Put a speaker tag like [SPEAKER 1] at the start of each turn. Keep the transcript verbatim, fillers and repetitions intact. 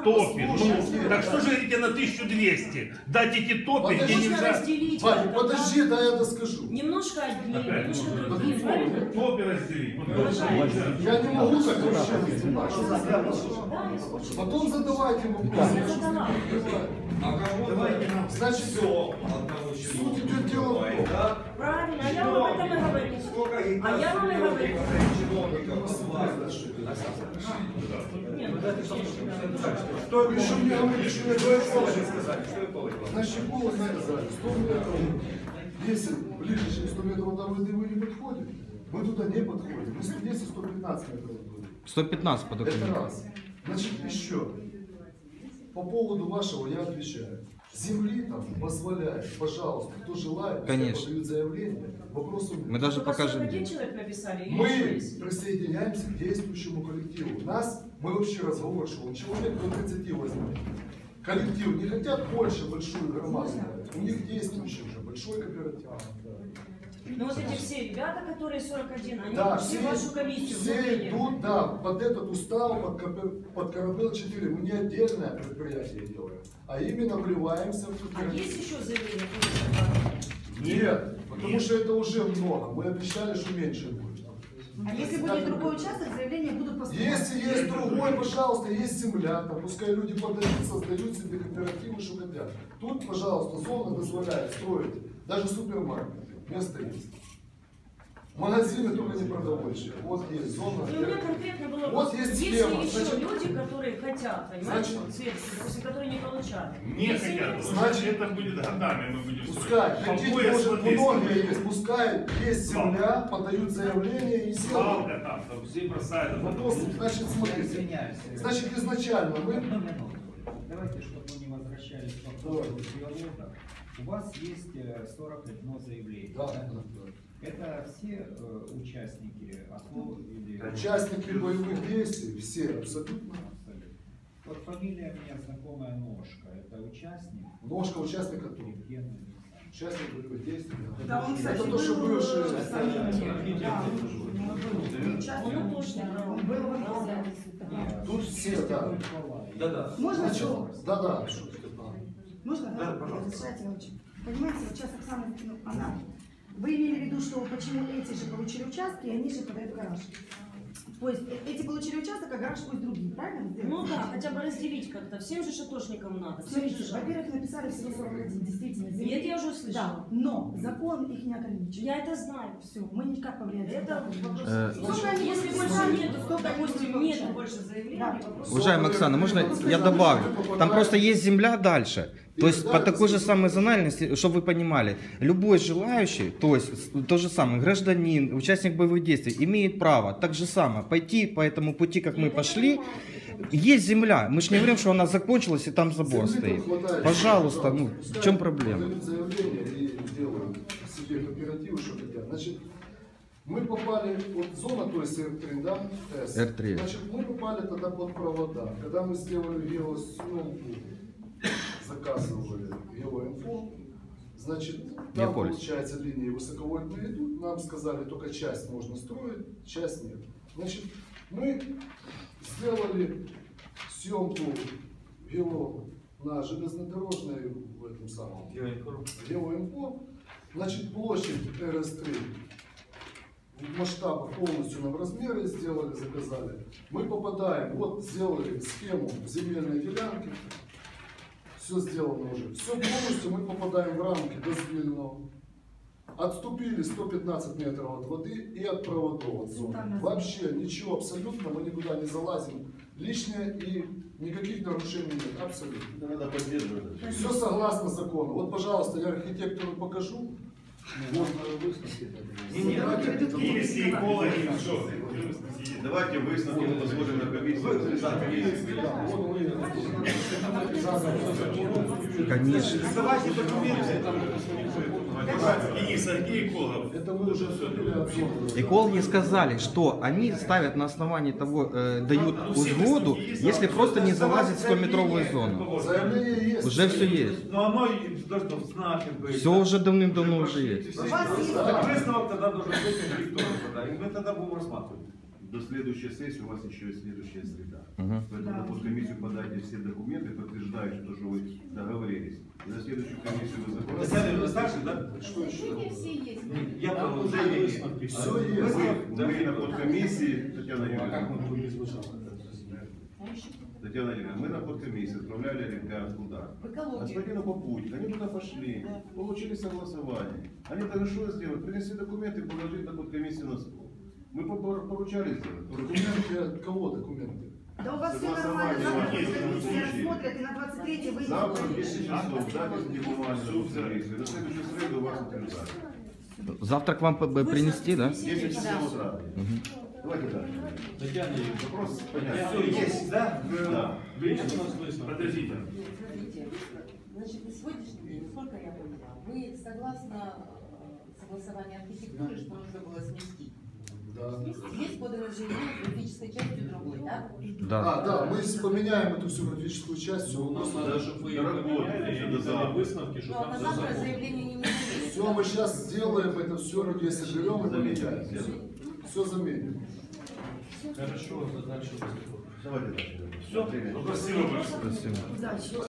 [SPEAKER 1] топи. Ну, так что же говорите на тысячу двести? Дать эти топи, где нельзя...
[SPEAKER 2] разделить.
[SPEAKER 3] Ваня, подожди, да я доскажу.
[SPEAKER 2] Немножко одни,
[SPEAKER 1] Опять,
[SPEAKER 2] немножко
[SPEAKER 1] ну,
[SPEAKER 2] другие, правильно?
[SPEAKER 1] Топи разделить.
[SPEAKER 3] Я не могу так вообще.
[SPEAKER 2] Да,
[SPEAKER 3] Потом задавайте вопросы.
[SPEAKER 2] я задала.
[SPEAKER 4] А кого-то
[SPEAKER 3] Значит,
[SPEAKER 4] все одного
[SPEAKER 3] суть идет дело в том.
[SPEAKER 4] да?
[SPEAKER 2] Правильно, а я вам об этом и говорю.
[SPEAKER 4] Сколько
[SPEAKER 2] А я вам и говорю.
[SPEAKER 4] чиновников власти.
[SPEAKER 2] Нет, ну это
[SPEAKER 3] Что еще мне говорит, что я говорю?
[SPEAKER 4] сказать? Что я поводил?
[SPEAKER 3] Значит, голос сказали, сто метров. Если ближе, чем сто метров до воды вы не подходите, мы туда не подходим. Мы сто десять — сто пятнадцать метров от воды.
[SPEAKER 5] сто пятнадцать по
[SPEAKER 3] Это
[SPEAKER 5] документам.
[SPEAKER 3] раз. Значит, еще. По поводу вашего я отвечаю. Земли там позволяет, пожалуйста, кто желает,
[SPEAKER 5] Конечно.
[SPEAKER 3] подают заявление, вопросу нет.
[SPEAKER 5] Мы даже
[SPEAKER 2] Только
[SPEAKER 5] покажем.
[SPEAKER 2] сорок один человек написали? или
[SPEAKER 3] Мы
[SPEAKER 2] шесть?
[SPEAKER 3] присоединяемся к действующему коллективу. У нас, мы вообще разговор шел, человек до тридцати возьмет. Коллектив не хотят больше большую громаду. У них действующий уже большой кооператив.
[SPEAKER 2] Ну вот эти все ребята, которые сорок один, они
[SPEAKER 3] Да,
[SPEAKER 2] все в вашу комиссию
[SPEAKER 3] все
[SPEAKER 2] внутреннюю.
[SPEAKER 3] идут, да, под этот устав, под, Копер- под Корабел четыре. Мы не отдельное предприятие делаем, а именно вливаемся в
[SPEAKER 2] А
[SPEAKER 3] кооператив.
[SPEAKER 2] есть еще заявление?
[SPEAKER 3] Нет, потому что это уже много. Мы обещали, что меньше будет.
[SPEAKER 6] А если будет другой участок, заявления будут поступать?
[SPEAKER 3] Если есть другой, пожалуйста, есть земля, там, пускай люди подают, создают себе кооперативы, что хотят. Тут, пожалуйста, зона дозволяет строить даже супермаркет. Место есть. Магазины только не продовольствия. Вот есть зона.
[SPEAKER 2] И у меня конкретно было
[SPEAKER 3] Вот
[SPEAKER 2] вопрос.
[SPEAKER 3] есть
[SPEAKER 2] Есть
[SPEAKER 3] схема.
[SPEAKER 2] ли еще
[SPEAKER 3] Значит,
[SPEAKER 2] люди, которые хотят, понимаете,
[SPEAKER 3] Значит,
[SPEAKER 2] вот сверху, допустим, которые не получали?
[SPEAKER 1] Не
[SPEAKER 2] Если
[SPEAKER 1] хотят.
[SPEAKER 2] нет,
[SPEAKER 1] Значит, это будет годами мы будем
[SPEAKER 3] Пускай,
[SPEAKER 1] строить.
[SPEAKER 3] хотите,
[SPEAKER 1] По пояс
[SPEAKER 3] может,
[SPEAKER 1] вот здесь.
[SPEAKER 3] многие есть, пускай есть земля, подают заявление и сделают.
[SPEAKER 1] Свалка там, там все бросают.
[SPEAKER 3] Вопрос, значит, смотрите.
[SPEAKER 7] Извиняюсь.
[SPEAKER 3] Значит, изначально мы...
[SPEAKER 7] Одну минуту. Давайте, чтобы мы не возвращались к вопросу диалога. У вас есть э, сорок одно заявление.
[SPEAKER 3] Да,
[SPEAKER 7] да?
[SPEAKER 3] да, да.
[SPEAKER 7] Это все э, участники АТО или...
[SPEAKER 3] Участники боевых действий, все абсолютно.
[SPEAKER 7] Абсолютно. Вот фамилия у меня знакомая Ножка. Это участник?
[SPEAKER 3] Ножка участника тут.
[SPEAKER 7] Евгений Александрович.
[SPEAKER 3] Участник боевых действий.
[SPEAKER 6] Да, он, кстати,
[SPEAKER 3] Это то, что
[SPEAKER 6] был
[SPEAKER 3] бывший.
[SPEAKER 6] в Самите. Да, он был участником. Он был в
[SPEAKER 7] Нет,
[SPEAKER 3] Тут
[SPEAKER 7] есть
[SPEAKER 3] все, да.
[SPEAKER 7] такой Николай.
[SPEAKER 4] Да-да.
[SPEAKER 6] Можно
[SPEAKER 3] Значит,
[SPEAKER 6] слово?
[SPEAKER 3] да, да.
[SPEAKER 6] Можно?
[SPEAKER 4] Да, пожалуйста.
[SPEAKER 6] Разрешайте очень. Понимаете, вот сейчас Оксана, ну, она. Вы имели в виду, что почему эти же получили участки, и они же подают в гараж. То есть э- эти получили участок, а гараж пусть другие, правильно?
[SPEAKER 2] Ну да, хотя бы разделить как-то. Всем же шатошникам надо. Всем же
[SPEAKER 6] Смотрите,
[SPEAKER 2] жалко.
[SPEAKER 6] во-первых, написали всего сорок один, действительно. земли.
[SPEAKER 2] Нет, я уже
[SPEAKER 6] Да,
[SPEAKER 2] услышала.
[SPEAKER 6] но закон их не ограничивает.
[SPEAKER 2] Я это знаю.
[SPEAKER 6] Все, мы никак повлиять не
[SPEAKER 2] Это
[SPEAKER 6] можем.
[SPEAKER 2] вопрос.
[SPEAKER 5] Э,
[SPEAKER 6] Сколько они
[SPEAKER 2] Если
[SPEAKER 6] будут
[SPEAKER 2] больше
[SPEAKER 6] получать?
[SPEAKER 2] нету,
[SPEAKER 6] Сколько они
[SPEAKER 2] допустим,
[SPEAKER 6] будут
[SPEAKER 2] нету
[SPEAKER 6] получать?
[SPEAKER 2] больше заявлений,
[SPEAKER 6] Да.
[SPEAKER 2] вопрос.
[SPEAKER 5] Уважаемая Оксана, можно я добавлю? Там просто есть земля дальше. То есть по такой же самой зональности, чтобы вы понимали, любой желающий, то есть то же самое, гражданин, участник боевых действий, имеет право так же самое пойти по этому пути, как мы пошли. Есть земля, мы же не говорим, что она закончилась и там забор стоит. Пожалуйста, ну в чем проблема?
[SPEAKER 3] Подают заявление и делают себе кооперативы, что хотят. Значит, мы попали, вот зона, то есть эр три, да? С.
[SPEAKER 5] эр три.
[SPEAKER 3] Значит, мы попали тогда под провода. Когда мы сделали геосъемку, заказывали геоинфо, значит, там,
[SPEAKER 5] Геополис.
[SPEAKER 3] получается, линии высоковольтные идут, нам сказали, только часть можно строить, часть нет. Значит, мы сделали съемку гео на железнодорожной в этом самом геоинфо. Значит, площадь эр эс три в масштабах полностью нам размеры сделали, заказали. Мы попадаем, вот сделали схему земельной делянки. Все сделано уже. Все полностью мы попадаем в рамки дозвільного. Отступили сто пятнадцать метров от воды и от проводов от зоны. Вообще ничего абсолютно, мы никуда не залазим лишнее и никаких нарушений нет. Абсолютно.
[SPEAKER 4] Надо поддерживать.
[SPEAKER 3] Все согласно закону. Вот, пожалуйста, я архитектору покажу. Вот.
[SPEAKER 1] Если экологи, что?
[SPEAKER 4] Давайте высновки мы посмотрим на комиссию.
[SPEAKER 5] Конечно.
[SPEAKER 4] Давайте документы.
[SPEAKER 1] Денис, а где эколог?
[SPEAKER 3] Это мы уже отступили от зоны.
[SPEAKER 5] Экологи сказали, что они ставят на основании того, э, дают узгоду, если просто не залазить в стометровую зону.
[SPEAKER 3] Заявление есть.
[SPEAKER 5] Уже все есть.
[SPEAKER 8] Но оно должно в знаке быть.
[SPEAKER 5] Все уже давным-давно уже есть.
[SPEAKER 6] У вас есть
[SPEAKER 8] Так выставок тогда должен быть никто тогда. И мы тогда будем рассматривать.
[SPEAKER 4] до следующей сессии у вас еще есть следующая среда.
[SPEAKER 5] Мгм.
[SPEAKER 4] Поэтому на подкомиссию подайте все документы, подтверждающие то, что вы договорились. И на следующую комиссию вы заходите.
[SPEAKER 8] Татьяна, вы старше, да?
[SPEAKER 3] Что еще?
[SPEAKER 8] Я продолжение.
[SPEAKER 3] Все
[SPEAKER 4] Мы,
[SPEAKER 3] есть.
[SPEAKER 4] мы на подкомиссии, Татьяна Юрьевна,
[SPEAKER 8] будем звучать?
[SPEAKER 4] Татьяна Юрьевна, мы на подкомиссии отправляли ребят туда. Господину Попутик, они туда пошли, получили согласование. Они должны что сделать? Принесли документы и положить на подкомиссию на стол. Мы попор- поручали сделать.
[SPEAKER 3] Документы от кого документы?
[SPEAKER 6] Да у вас все
[SPEAKER 4] Согласование
[SPEAKER 6] нормально, завтра
[SPEAKER 4] есть,
[SPEAKER 6] комиссия
[SPEAKER 4] есть.
[SPEAKER 6] рассмотрит и на двадцать третье вы
[SPEAKER 4] Завтра в десять часов запись бумаги на подкомиссию. На следующую среду вас утверждают.
[SPEAKER 5] Завтра к вам п- п- принести, да?
[SPEAKER 4] десять часов утра. Давайте дальше.
[SPEAKER 8] Татьяна Юрьевна,
[SPEAKER 4] Вопрос понятен.
[SPEAKER 8] все есть, да?
[SPEAKER 4] Да.
[SPEAKER 8] Видите, у нас выставка.
[SPEAKER 1] Подождите.
[SPEAKER 9] Смотрите, значит, на сегодняшний день, насколько я поняла, вы согласно э, согласованию архитектуры, что нужно было сместить.
[SPEAKER 3] Да.
[SPEAKER 9] Есть подано заявление с графической частью другой, да?
[SPEAKER 5] Да.
[SPEAKER 3] А, да, мы с- поменяем эту всю графическую часть, все, у нас
[SPEAKER 8] Надо, чтобы вы ее поменяли, и не дали выставки, чтобы
[SPEAKER 9] Но
[SPEAKER 8] там
[SPEAKER 9] на
[SPEAKER 8] все
[SPEAKER 9] завтра
[SPEAKER 8] законно.
[SPEAKER 9] заявление не нужно.
[SPEAKER 3] все мы сейчас сделаем, это все люди соберем и поменяем.
[SPEAKER 4] Заметим.
[SPEAKER 3] Все заменим.
[SPEAKER 8] Хорошо, дальше выступим.
[SPEAKER 4] Давайте дальше.
[SPEAKER 1] Все, спасибо большое.
[SPEAKER 5] Спасибо.
[SPEAKER 6] удачи.